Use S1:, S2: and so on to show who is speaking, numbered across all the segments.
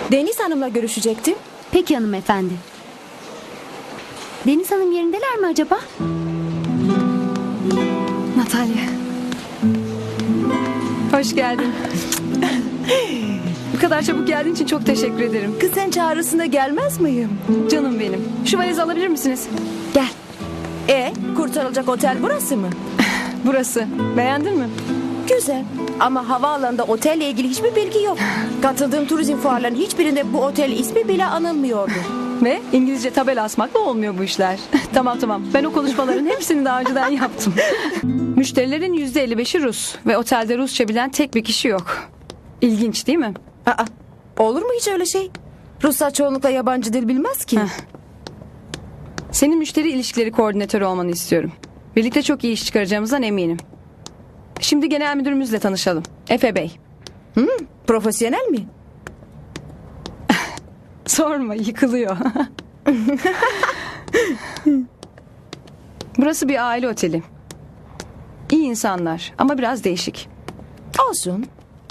S1: Deniz Hanım'la görüşecektim.
S2: Peki hanımefendi. Deniz Hanım yerindeler mi acaba?
S3: Natalya. Hoş geldin. Bu kadar çabuk geldiğin için çok teşekkür ederim.
S1: Kız sen çağrısında gelmez miyim?
S3: Canım benim. Şu valizi alabilir misiniz?
S1: Gel. Kurtarılacak otel burası mı?
S3: Burası. Beğendin mi?
S1: Güzel. Ama havaalanında otelle ilgili hiçbir bilgi yok. Katıldığım turizm fuarlarının hiçbirinde bu otel ismi bile anılmıyordu.
S3: Ve İngilizce tabela asmakla olmuyor bu işler. Tamam. Ben o konuşmaların hepsini daha önceden yaptım. Müşterilerin %55'i Rus. Ve otelde Rusça bilen tek bir kişi yok. İlginç değil mi?
S1: Aa, olur mu hiç öyle şey? Ruslar çoğunlukla yabancı dil bilmez ki.
S3: Senin müşteri ilişkileri koordinatörü olmanı istiyorum. Birlikte çok iyi iş çıkaracağımızdan eminim. Şimdi genel müdürümüzle tanışalım. Efe Bey.
S1: Profesyonel mi?
S3: Sorma, yıkılıyor. Burası bir aile oteli. İyi insanlar ama biraz değişik.
S1: Olsun.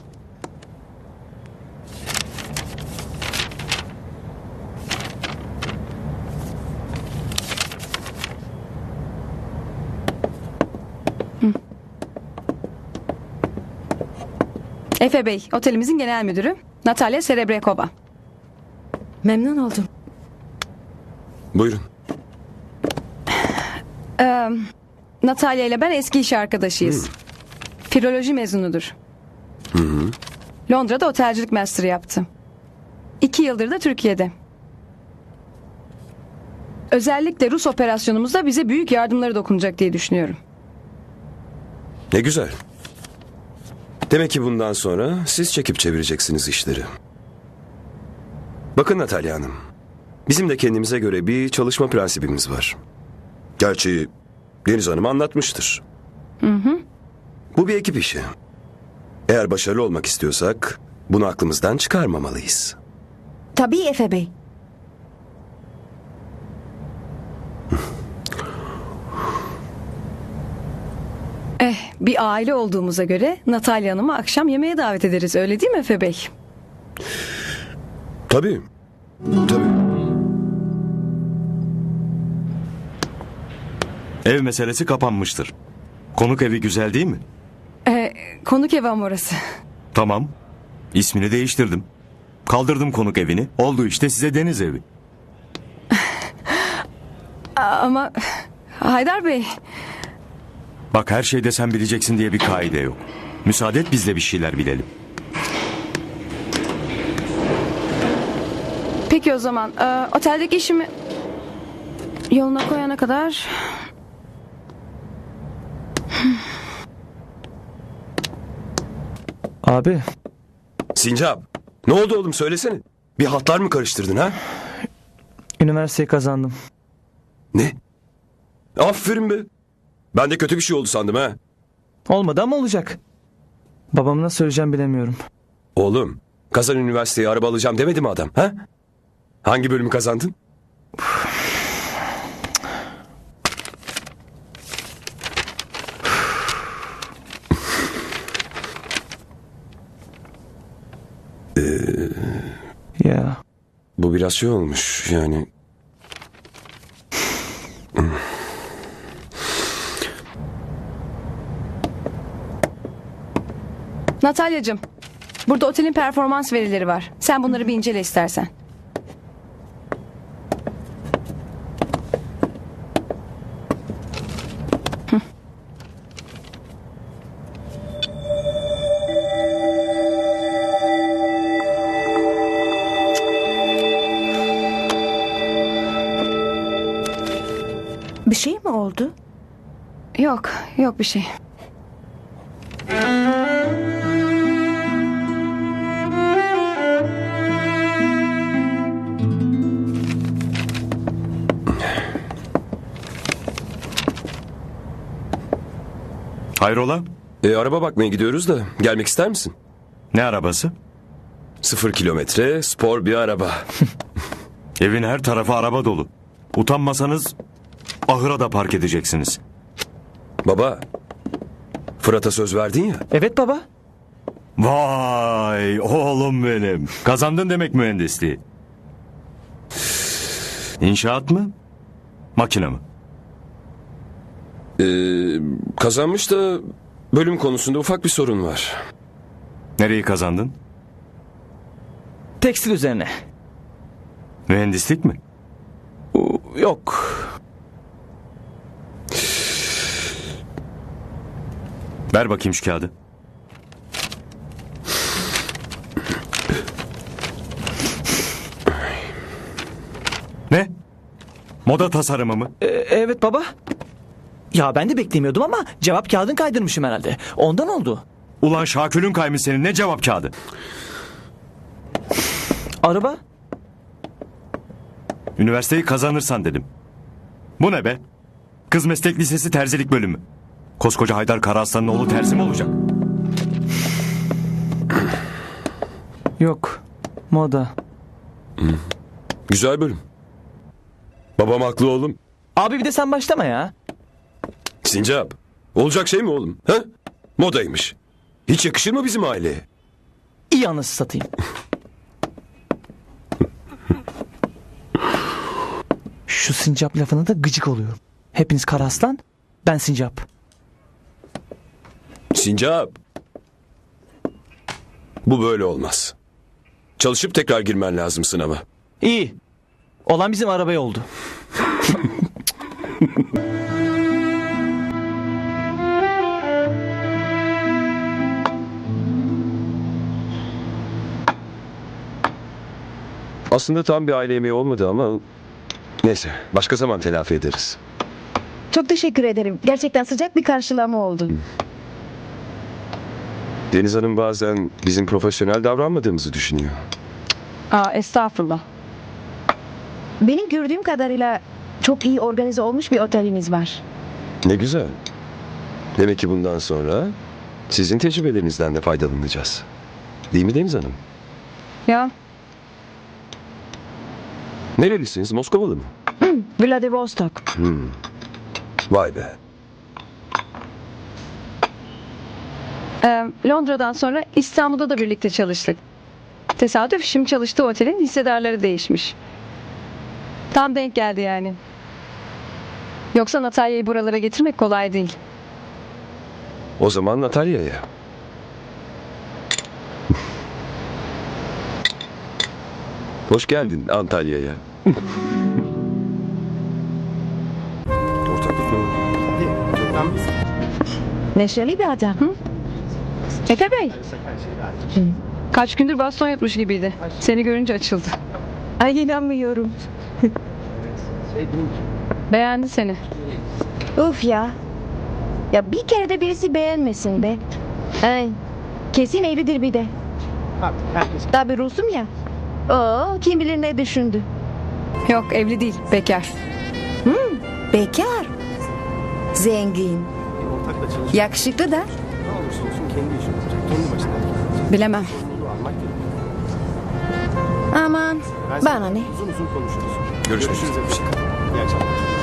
S3: Efe Bey, otelimizin genel müdürü. Natalya Serebrekova.
S1: Memnun oldum.
S4: Buyurun.
S3: Natalya ile ben eski iş arkadaşıyız. Filoloji mezunudur. Londra'da otelcilik master yaptı. 2 yıldır da Türkiye'de. Özellikle Rus operasyonumuzda bize büyük yardımları dokunacak diye düşünüyorum.
S4: Ne güzel. Demek ki bundan sonra siz çekip çevireceksiniz işleri. Bakın Natalya Hanım. Bizim de kendimize göre bir çalışma prensibimiz var. Gerçi Deniz Hanım anlatmıştır. Bu bir ekip işi. Eğer başarılı olmak istiyorsak bunu aklımızdan çıkarmamalıyız.
S1: Tabii Efe Bey.
S3: Bir aile olduğumuza göre Natalya Hanım'ı akşam yemeğe davet ederiz. Öyle değil mi Efe Bey?
S4: Tabii. Tabii.
S5: Ev meselesi kapanmıştır. Konuk evi güzel değil mi?
S3: Konuk evi ama orası.
S5: Tamam. İsmini değiştirdim. Kaldırdım konuk evini. Oldu işte size deniz evi.
S3: Ama Haydar Bey...
S5: Bak her şeyde sen bileceksin diye bir kaide yok. Müsaade et biz de bir şeyler bilelim.
S3: Peki o zaman oteldeki işimi yoluna koyana kadar...
S6: Abi,
S4: Sincap. Ne oldu oğlum söylesene. Bir hatlar mı karıştırdın ha?
S6: üniversiteyi kazandım.
S4: Ne? Aferin be. Ben de kötü bir şey oldu sandım ha.
S6: Olmadı ama olacak. Babama nasıl söyleyeceğim bilemiyorum.
S4: Oğlum, kazan üniversiteye araba alacağım demedi mi adam ha? Hangi bölümü kazandın?
S6: Ya,
S4: Bu biraz şey olmuş yani.
S3: Natalyacığım, burada otelin performans verileri var. Sen bunları bir incele istersen.
S1: Bir şey mi oldu?
S3: Yok bir şey.
S5: Hayrola?
S4: Araba bakmaya gidiyoruz da gelmek ister misin?
S5: Ne arabası?
S4: 0 kilometre spor bir araba.
S5: Evin her tarafı araba dolu. Utanmasanız ahıra da park edeceksiniz.
S4: Baba, Fırat'a söz verdin ya.
S6: evet baba.
S5: Vay oğlum benim. Kazandın demek mühendisliği. İnşaat mı? Makine mi?
S4: Kazanmış da bölüm konusunda ufak bir sorun var.
S5: Nereyi kazandın?
S6: Tekstil üzerine.
S5: Mühendislik mi?
S6: Yok.
S5: Ver bakayım şu kağıdı. Ne? Moda tasarımı mı?
S6: Evet baba. Ya ben de beklemiyordum ama cevap kağıdın kaydırmışım herhalde. Ondan oldu.
S5: Ulan Şakül'ün kaymış senin, ne cevap kağıdı?
S6: Araba?
S5: Üniversiteyi kazanırsan dedim. Bu ne be? Kız Meslek Lisesi terzilik bölümü. Koskoca Haydar Karaaslan'ın oğlu terzi mi olacak?
S6: Yok. Moda.
S4: Güzel bölüm. Babam haklı oğlum.
S6: Abi bir de sen başlama ya.
S4: Sincap. Olacak şey mi oğlum? Ha? Modaymış. Hiç yakışır mı bizim aileye?
S6: İyi anası satayım. Şu sincap lafına da gıcık oluyorum. Hepiniz Karaslan, ben sincap.
S4: Sincap. Bu böyle olmaz. Çalışıp tekrar girmen lazım sınava.
S6: İyi. Olan bizim arabaya oldu.
S4: Aslında tam bir aile yemeği olmadı ama... Neyse, başka zaman telafi ederiz.
S1: Çok teşekkür ederim. Gerçekten sıcak bir karşılama oldu.
S4: Deniz Hanım bazen bizim profesyonel davranmadığımızı düşünüyor.
S3: Aa, estağfurullah.
S1: Benim gördüğüm kadarıyla çok iyi organize olmuş bir oteliniz var.
S4: Ne güzel. Demek ki bundan sonra sizin tecrübelerinizden de faydalanacağız. Değil mi Deniz Hanım?
S3: Ya
S4: Nerelisiniz? Moskovalı mı?
S1: Vladivostok.
S4: Vay be.
S3: Londra'dan sonra İstanbul'da da birlikte çalıştık. Tesadüf, şimdi çalıştığı otelin hissedarları değişmiş. Tam denk geldi yani. Yoksa Natalya'yı buralara getirmek kolay değil.
S4: O zaman Natalya'ya. Hoş geldin Antalya'ya. Ortaklık ne oldu?
S1: Neşeli bir adam.
S3: Efe Bey. Kaç gündür baston yutmuş gibiydi. Seni görünce açıldı.
S1: Ay inanmıyorum.
S3: Beğendi seni.
S1: Uf ya. Ya bir kere de birisi beğenmesin be. Ay, kesin evlidir bir de. Tabii Rus'um ya. Oo, kim bilir ne düşündü.
S3: Yok, evli değil, bekar.
S1: Bekar. Zengin. Yakışıklı da.
S3: Bilemem.
S1: Aman bana ne.
S4: Görüşmek üzere.
S7: İyi akşamlar.